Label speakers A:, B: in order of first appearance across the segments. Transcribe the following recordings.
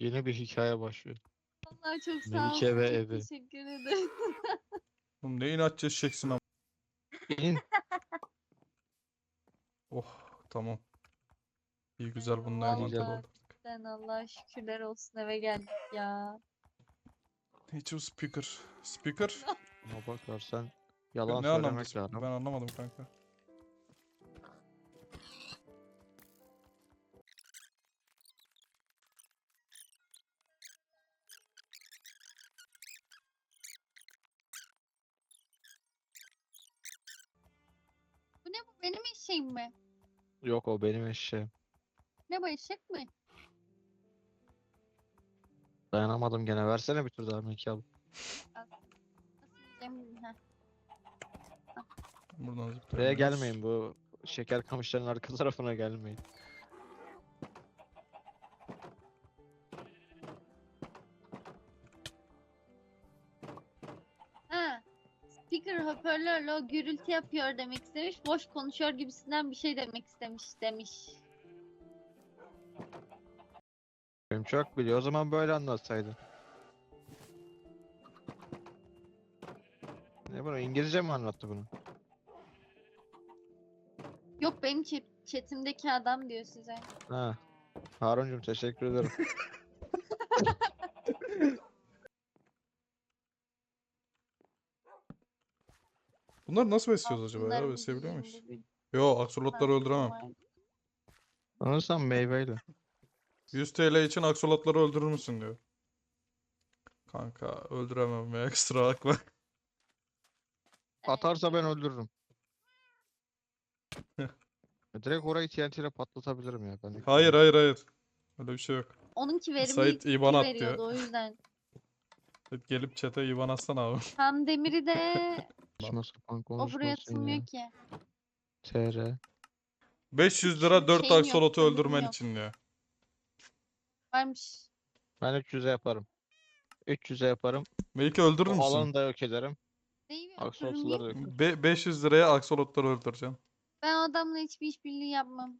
A: Yeni bir hikaye başlıyor.
B: Vallahi çok sağ
A: Melike
B: olsun.
A: ve
B: Çok
A: evi.
B: teşekkür ederim.
C: Oğlum ne inatçı eşeksin ama.
A: İn.
C: Oh tamam. İyi güzel bununla
B: Vallahi
C: envanter
A: güzel.
C: olduk.
B: sen Allah'a şükürler olsun eve geldik ya.
C: Hiç o speaker. Speaker?
A: Ama bakarsan yalan
C: Ne anlamda
A: söylemek
C: speaker?
A: lazım.
C: Ben anlamadım kanka.
B: Bu ne bu? Benim eşeğim mi?
A: Yok o benim eşeğim.
B: Ne bu eşek mi?
A: Dayanamadım gene. Versene bir tur daha Melike abla.
B: Nasıl yiyeceğim? Heh.
C: Buradan
A: Buraya
C: zıplayabiliyoruz.
A: gelmeyin, bu şeker kamışların arka tarafına gelmeyin.
B: Ha. Speaker hoparlörle o gürültü yapıyor demek istemiş. Boş konuşuyor gibisinden bir şey demek istemiş demiş.
A: Benim çok biliyor. O zaman böyle anlatsaydın. Ne bunu? İngilizce mi anlattı bunu?
B: Yok benim chatimdeki adam diyor size.
A: Ha. Harun'cum teşekkür ederim.
C: Bunları nasıl besliyoruz acaba ya?
B: Altınlarımı
C: Besleyebiliyor
B: giyeyim
C: muyuz?
B: bugün.
C: Yo, aksolotları öldüremem.
B: Var.
A: Sanırsam meyveyle.
C: 100 TL için aksolotları öldürür müsün diyor. Kanka öldüremem ya, kusura bakma.
A: Atarsa ben öldürürüm. Direkt orayı TNT ile patlatabilirim ya. Ben
C: Hayır hayır hayır. Öyle bir şey yok.
B: Onunki verimli
C: Sait IBAN at
B: veriyordu
C: diyor.
B: o yüzden.
C: Gelip chat'e IBAN atsana abi.
B: Tam demiri de
A: Saçma sapan
B: o buraya
A: konuşmasın ya.
B: atılmıyor ki.
A: TR.
C: 500 lira 4
B: Şeyim yok,
C: aksolotu
B: kömürüm
C: öldürmen
B: yok.
C: için diyor.
B: Varmış.
A: Ben 300'e yaparım. 300'e yaparım.
C: Belki öldürür
A: O
C: müsün?
A: alanı da yok ederim.
B: Neyi bir
A: Aksolotluları da
B: öldürür
A: yok ederim.
C: 500 liraya aksolotları öldüreceksin.
B: Ben o adamla hiçbir işbirliği yapmam.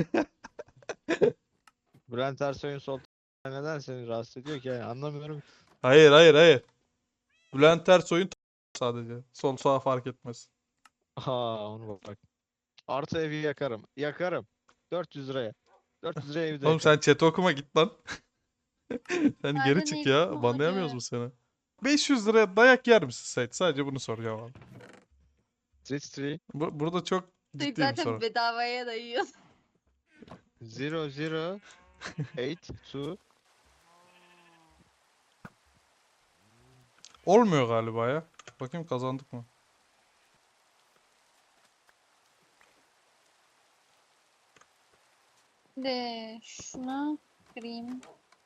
A: Bülent Ersoy'un sol neden seni rahatsız ediyor ki? Yani anlamıyorum.
C: Hayır hayır hayır. Bülent Ersoy'un sadece. Sol sağ fark etmez.
A: Aa onu bak. Artı evi yakarım. Yakarım. 400 liraya. 400 liraya evi de
C: Oğlum sen
A: yakarım.
C: chat'i okuma git lan. Sen geri
B: Nerede
C: çık
B: ne
C: ya.
B: eksik
C: Banlayamıyoruz
B: oldu?
C: mu seni? 500 liraya dayak yer misin Sait? Sadece bunu soracağım abi.
A: Street
C: Burada çok
B: Sen
C: ciddi bir
B: zaten
C: soru.
B: bedavaya da yiyorsun.
A: 0082.
C: Olmuyor galiba ya. Bakayım kazandık mı?
B: De şunu kırayım.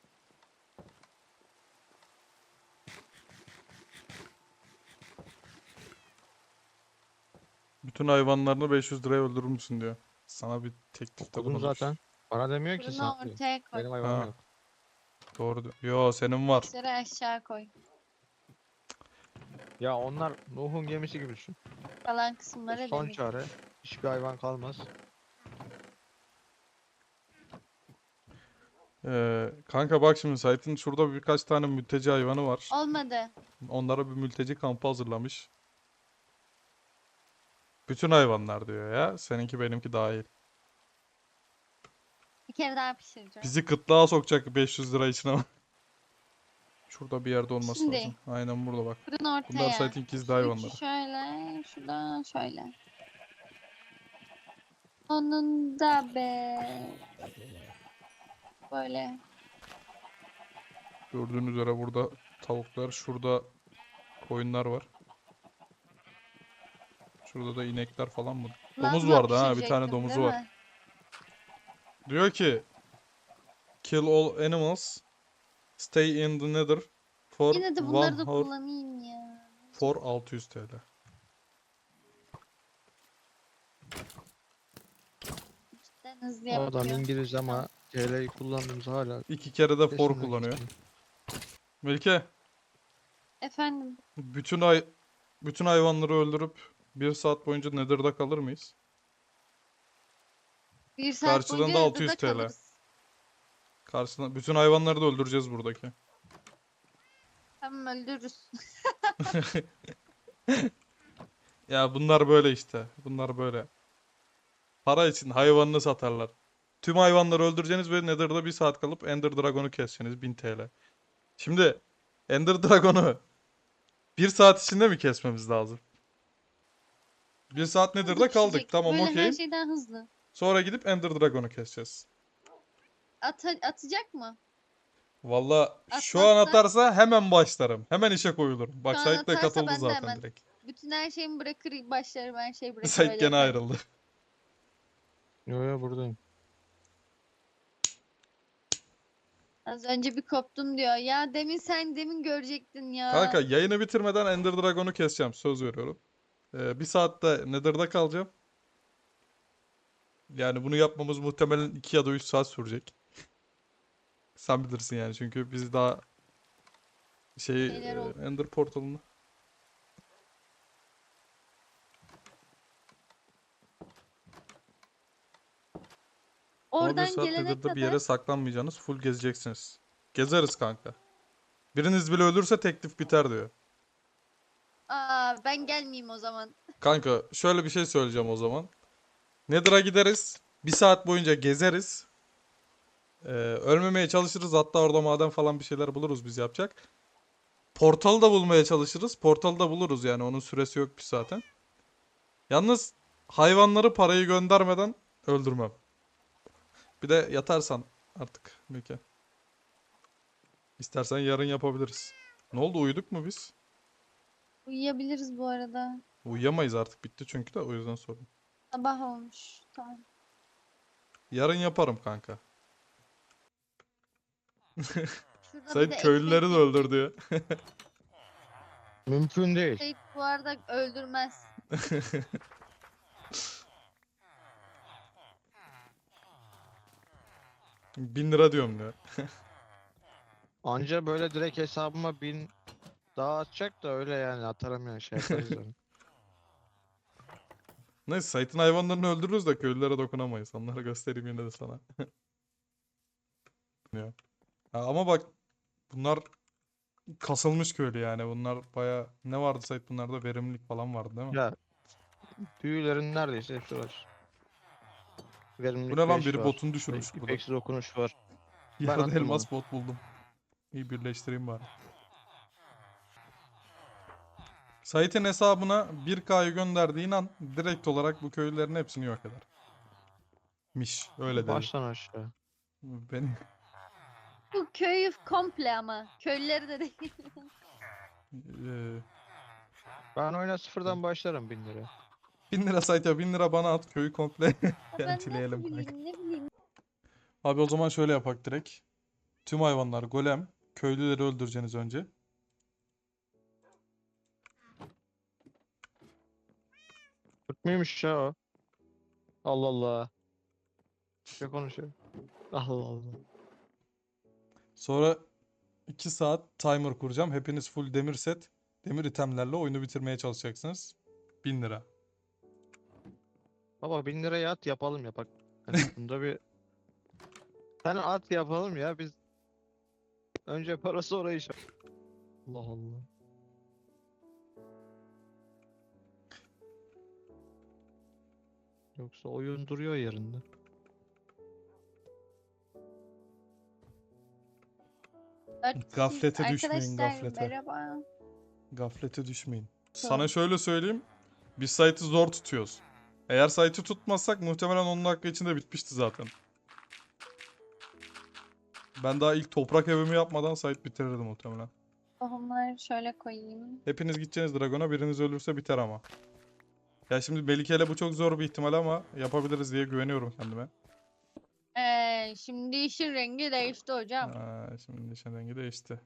C: Bütün hayvanlarını 500 liraya öldürür müsün diyor. Sana bir teklifte
A: Okudum
C: bulunmuş.
A: zaten. Bana demiyor ki
B: Fırını
A: sen diyor.
B: ortaya koy.
A: Benim hayvanım
C: Ha.
A: yok.
C: Doğru diyor. Yo senin var.
B: Taşları aşağı koy.
A: Ya onlar Nuh'un gemisi gibi düşün.
B: Kalan kısımlara
A: Son
B: demir.
A: çare. Hiçbir hayvan kalmaz.
C: Kanka bak şimdi Sait'in şurada birkaç tane mülteci hayvanı var.
B: Olmadı.
C: Onlara bir mülteci kampı hazırlamış. Bütün hayvanlar diyor ya. Seninki benimki dahil.
B: Bir kere daha pişireceğim.
C: Bizi kıtlığa sokacak 500 lira için ama. Şurada bir yerde olması
B: Şimdi.
C: lazım. Aynen burada bak.
B: Fırın
C: Bunlar
B: ortaya.
C: Sait'in gizli
B: Şu
C: hayvanları.
B: üçü şöyle. Şu da şöyle. Onun da be. Böyle.
C: Gördüğünüz üzere burada tavuklar, şurada koyunlar var. Şurada da inekler falan mı? Domuz
B: Lazla
C: vardı ha, bir tane
B: pişirecektim,
C: domuzu
B: değil
C: var.
B: mi?
C: Diyor ki kill all animals, stay in the nether for
B: Yine de
C: 1
B: bunları da
C: hour
B: kullanayım ya.
C: for 600 TL.
B: Cidden hızlı
A: O adam
B: yapıyor.
A: İngiliz ama TL'yi kullandığımız hala
C: 2 kere de for
A: peşinden
C: kullanıyor.
A: geçiyor.
C: Melike,
B: Efendim.
C: bütün hayvanları öldürüp 1 saat boyunca nether'da kalır mıyız?
B: Bir saat
C: Karşılığında
B: boyunca
C: 600
B: evde
C: TL.
B: kalırız.
C: Karşısına bütün hayvanları da öldüreceğiz buradaki.
B: Tamam, öldürürüz.
C: Ya bunlar böyle işte. Bunlar böyle. Para için hayvanını satarlar. Tüm hayvanları öldüreceğiniz ve Nether'da 1 saat kalıp Ender Dragon'u keseceksiniz 1000 TL. Şimdi Ender Dragon'u 1 saat içinde mi kesmemiz lazım? 1 saat
B: Hızlı
C: Nether'da kaldık.
B: pişecek.
C: Tamam,
B: Böyle her
C: okeyim.
B: şeyden hızlı.
C: Sonra gidip Ender Dragon'u keseceğiz.
B: Atacak mı?
C: Valla şu an
B: Atmazsa?
C: atarsa hemen başlarım. Hemen işe koyulurum. Bak
B: Şu an
C: Sait de
B: atarsa
C: katıldı
B: ben de
C: zaten
B: hemen
C: direkt.
B: bütün her şeyimi bırakır başlarım, her şeyi bırakır
C: Sait
B: öyle
C: gene
B: yaparım.
C: ayrıldı.
A: Yo yo buradayım.
B: Az önce bir koptum diyor. Ya demin görecektin ya.
C: Kanka yayını bitirmeden Ender Dragon'u keseceğim. Söz veriyorum. 1 saatte Nether'da kalacağım. Yani bunu yapmamız muhtemelen 2 ya da 3 saat sürecek. Sen bilirsin yani çünkü biz daha
B: Şeyler oldu.
C: Ender portalını. Ama 1
B: Oradan
C: saat
B: gelene
C: Nether'da bir
B: kadar
C: yere saklanmayacaksınız. Full gezeceksiniz. Gezeriz kanka. Biriniz bile ölürse teklif biter diyor.
B: ben gelmeyeyim o zaman.
C: Kanka şöyle bir şey söyleyeceğim o zaman. Nether'a gideriz. 1 saat boyunca gezeriz. Ölmemeye çalışırız. Hatta orada maden falan bir şeyler buluruz biz yapacak. Portalı da bulmaya çalışırız. Portalı da buluruz yani. Onun süresi yokmuş zaten. Yalnız hayvanları parayı göndermeden öldürmem. Bir de yatarsan artık Mükemmel. İstersen yarın yapabiliriz. Ne oldu, uyuduk mu biz?
B: Uyuyabiliriz bu arada.
C: Uyuyamayız artık, bitti çünkü de o yüzden sordum.
B: Sabah olmuş. Tamam.
C: Yarın yaparım kanka.
B: Şurada bir
C: Sait
B: de
C: köylüleri de
B: ekmek
C: öldür diyor.
A: Mümkün değil.
B: Sait bu arada öldürmez.
C: $1000 diyorum diyor.
A: Anca böyle direkt hesabıma 1000 daha atacak da öyle yani atarım yani şey yaparız yani.
C: Neyse Sait'in hayvanlarını öldürürüz de köylülere dokunamayız. Onları göstereyim yine de sana. Ya. Ha, ama bak bunlar kasılmış köylü yani. Bunlar baya ne vardı Sait, bunlarda verimlilik falan vardı değil mi?
A: Ya büyülerin neredeyse hepsi var.
C: Bu
A: Verimlilik
C: ne lan,
A: 5
C: biri
A: var.
C: botunu düşürmüş burada.
A: İpeksi dokunuş var. Ben
C: Yarın
A: attım onu.
C: elmas bot buldum. İyi, birleştireyim bari. Sait'in hesabına 1K'yı gönderdiğin an direkt olarak bu köylülerin hepsini yok eder. Miş öyle dedi.
A: Baştan aşağı.
C: Beni
B: Bu köyü komple ama. Köylüleri de değil.
C: eee,
A: Ben oyuna sıfırdan başlarım 1000 lira.
C: 1000 lira Sait'e, 1000 lira bana at, köyü komple
B: Ya ben
C: yentileyelim
B: nasıl
C: kanka.
B: bileyim, ne bileyim.
C: Abi o zaman şöyle yapak direkt. Tüm hayvanlar golem. Köylüleri öldüreceksiniz önce.
A: Türk müymüş ya o? Allah Allah. Ne konuşuyor? Allah Allah.
C: Sonra 2 saat timer kuracağım. Hepiniz full demir set, demir itemlerle oyunu bitirmeye çalışacaksınız. 1000 lira.
A: Baba 1000 liraya at yapalım ya bak. Hani bunda bir... Sen at yapalım ya biz. Önce para sonra iş. Allah Allah. Yoksa oyun duruyor yerinde.
B: Dört
C: Gaflete
B: kişiyiz.
C: düşmeyin,
B: Arkadaşlar
C: gaflete.
B: merhaba.
C: Gaflete düşmeyin.
B: Tamam.
C: Sana şöyle söyleyeyim. Biz site'ı zor tutuyoruz. Eğer site'ı tutmazsak muhtemelen 10 dakika içinde bitmişti zaten. Ben daha ilk toprak evimi yapmadan site bitirirdim muhtemelen.
B: Tohumları şöyle koyayım.
C: Hepiniz gideceğiniz Dragon'a, biriniz ölürse biter ama. Ya şimdi Melike ile bu çok zor bir ihtimal ama yapabiliriz diye güveniyorum kendime.
B: Şimdi işin rengi değişti hocam.
C: Şimdi nişan rengi değişti.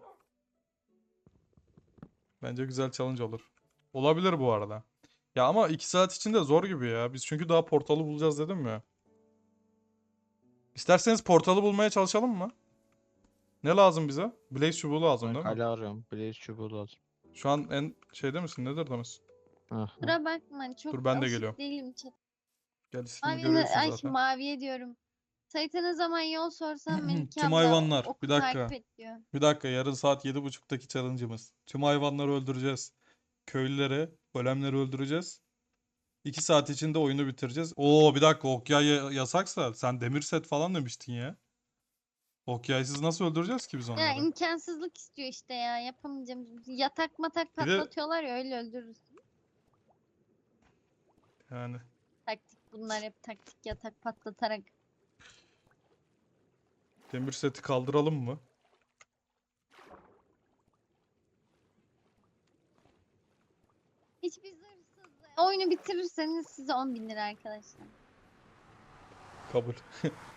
C: Bence güzel challenge olur. Olabilir bu arada. Ya ama 2 saat içinde zor gibi ya. Biz çünkü daha portalı bulacağız dedim ya. İsterseniz portalı bulmaya çalışalım mı? Ne lazım bize? Blaze çubuğu lazım
A: Ben
C: değil mi?
A: kale arıyorum. Blaze çubuğu lazım.
C: Şu an en şeyde misin? Nedir misin?
A: Aha.
B: Kusura bakma, çok
C: Dur, ben de
B: alışık
C: geliyorum.
B: değilim chat.
C: Gel, ismini
B: Mavi,
C: görüyorsun
B: ay
C: zaten.
B: maviye diyorum. Sait'e ne zaman yol sorsam Melike
C: Tüm
B: abla
C: hayvanlar.
B: oku
C: Bir dakika.
B: takip et diyor.
C: Bir dakika. Yarın saat 7.30'daki challenge'ımız. Tüm hayvanları öldüreceğiz. Köylüleri, golemleri öldüreceğiz. 2 saat içinde oyunu bitireceğiz. Oo bir dakika. Okyay yasaksa sen demir set falan demiştin ya. Okyaysız nasıl öldüreceğiz ki biz
B: Ya
C: onları?
B: imkansızlık istiyor işte ya. Yapamayacağım. Yatak matak
C: Bir de
B: patlatıyorlar ya öyle öldürürüz.
C: yani
B: Taktik bunlar hep taktik yatak patlatarak.
C: demir seti kaldıralım mı?
B: Hiçbir zırhsız. Oyunu bitirirseniz size 10.000 lira arkadaşlar.
C: Kabul.